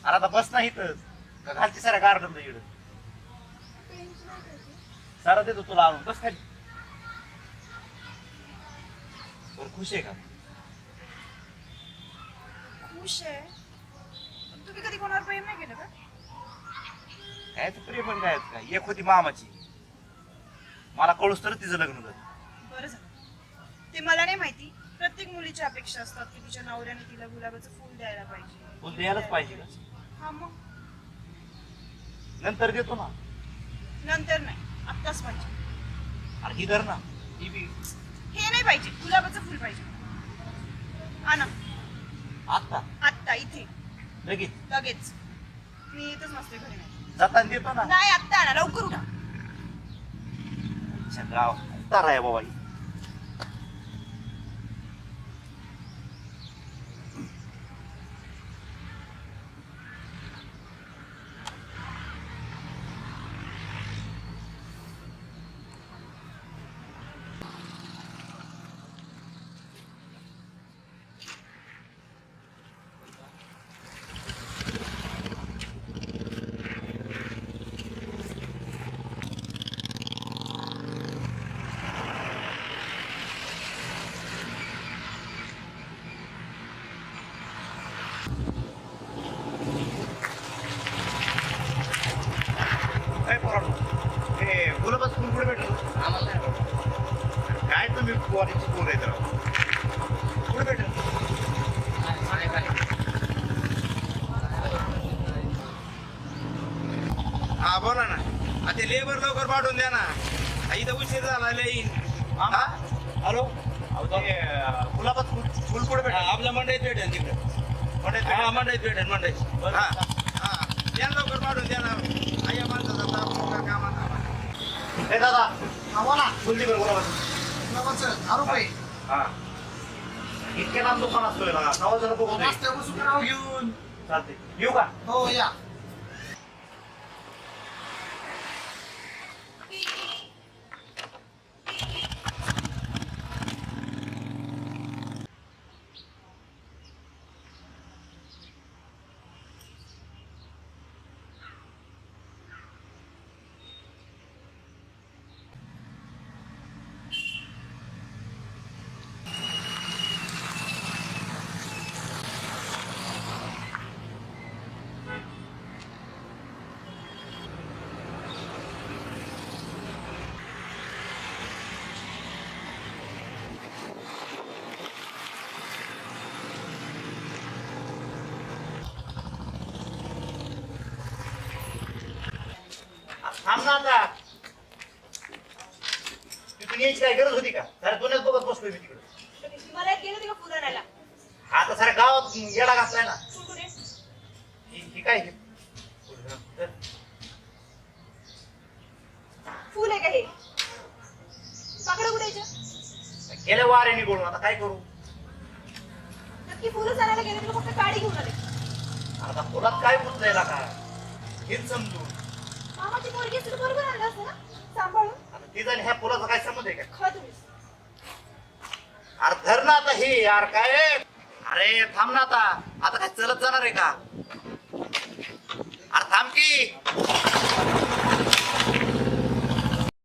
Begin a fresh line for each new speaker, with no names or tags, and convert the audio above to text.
अरे आता बस नाही तर का खालची साऱ्या गार्डन इकडं सारा देतो तुला आणून बस खाली. बरं खुश आहे का?
खुश आहे. तुम्ही कधी कोणावर प्रेम नाही केलं का?
काय तर प्रेम पण काय का एक होती मामाची मला कळूस तर तिचं लग्न झालं.
बरं झालं. ते मला नाही माहिती. प्रत्येक मुलीची अपेक्षा असतात की तिच्या नवऱ्याने तिला गुलाबाचं फुल द्यायला पाहिजे.
फुल द्यायलाच पाहिजे का?
हा मग
नंतर देतो ना.
नंतर नाही, आत्ताच पाहिजे.
अरे ही धर ना ही बी.
हे नाही पाहिजे, गुलाबाचं फुल पाहिजे. आणा
आता
आत्ता इथे
लगेच
लगेच. मी इथंच नसते, घरी नाही.
जाताना देतो ना.
नाही आत्ता आणा, लवकर उठा.
अच्छा गाव तारा आहे बाबा ही. काय पोरांनो, हे गुलाबाचं फुल कुठे भेटलं? आम्हाला नाही भेटलं. काय तुम्ही पोरीची पोर आहेत राव. कुठे भेटलं?
हा बोला ना. ते लेबर लवकर पाठवून द्या ना. इथं उशीर झाला लई.
मामा हॅलो अहो ते गुलाबाचं फुल कुठे भेटलं?
आपल्या मंडईत भेटेल तिकडे.
मंडईत
हा
भेटलं?
मंडईत भेटेल मंडईत. हा हा द्या लवकर पाठवून द्या ना. या माणसाचा ताप मोठा कामाचा.
हे दादा आम्हाला फुल दे बरं गुलाबाचं.
गुलाबाचं 10 रुपये.
हा इतके लांब दुकान असतोय ना सव्वा जण बघतोय.
रस्त्यापासून नाव घेऊन.
चालते येऊ का?
हो या.
थांब ना आता. तिथून यायची काय गरज होती का? साऱ्या दुनियात बघत बसलोय मी तिकडे.
मला गेलं ते का फुलं आणायला?
आता साऱ्या गावात येडा घातलाय ना.
फुल कुठे?
ही काय हे?
फुल आहे का हे? पाकडं कुठे यायचं?
गेल्या वारे निघून आता काय करू?
नक्की फुलं आणायला गेले तुला फक्त काडी घेऊन आले.
आता फुलात काय गुंतलंय का? हेच समजून
मामाची पोरगी असते तर बरोबर आणलं असतं ना, सांभाळून.
आता ती जाणे ह्या फुलाचा काय संबंध आहे का?
खा तुम्हीच.
अरे धर ना आता ही यार काय? अरे थांब ना आता. आता काय चलत जाणार आहे का? अरे थांब की.